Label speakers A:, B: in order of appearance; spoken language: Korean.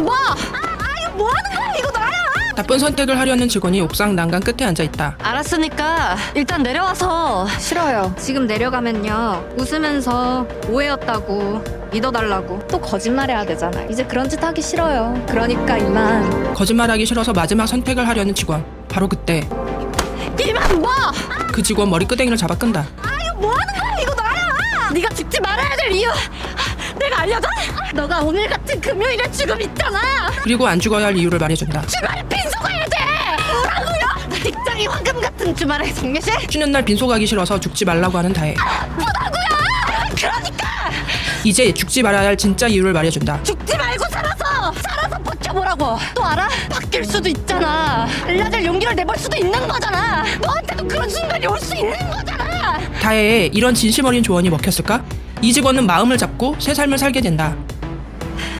A: 봐! 이거 뭐 하는 거야? 이거 나야!
B: 나쁜 선택을 하려는 직원이 옥상 난간 끝에 앉아있다.
A: 알았으니까 일단 내려와서.
C: 싫어요. 지금 내려가면요. 웃으면서 오해였다고 믿어달라고 또 거짓말해야 되잖아. 이제 그런 짓 하기 싫어요. 그러니까 이만.
B: 거짓말하기 싫어서 마지막 선택을 하려는 직원. 바로 그때
A: 이만 봐!
B: 그 직원 머리끄댕이를 잡아 끈다.
A: 이거 뭐 하는 거야? 이거 나야! 네가 죽지 말아야 될 이유 내가 알려줘? 너가 오늘 같은 금요일에 죽음 있잖아!
B: 그리고 안 죽어야 할 이유를 말해준다.
A: 주말에 빈소가야 돼! 뭐라고요? 직장이 황금 같은 주말에 장례식?
B: 쉬는 날 빈소 가기 싫어서 죽지 말라고 하는 다혜.
A: 뭐라고요? 그러니까!
B: 이제 죽지 말아야 할 진짜 이유를 말해준다.
A: 죽지 말고 살아서 버텨보라고. 또 알아? 바뀔 수도 있잖아. 달라질 용기를 내볼 수도 있는 거잖아. 너한테도 그런 순간이 올 수 있는 거잖아.
B: 다혜의 이런 진심 어린 조언이 먹혔을까? 이 직원은 마음을 잡고 새 삶을 살게 된다.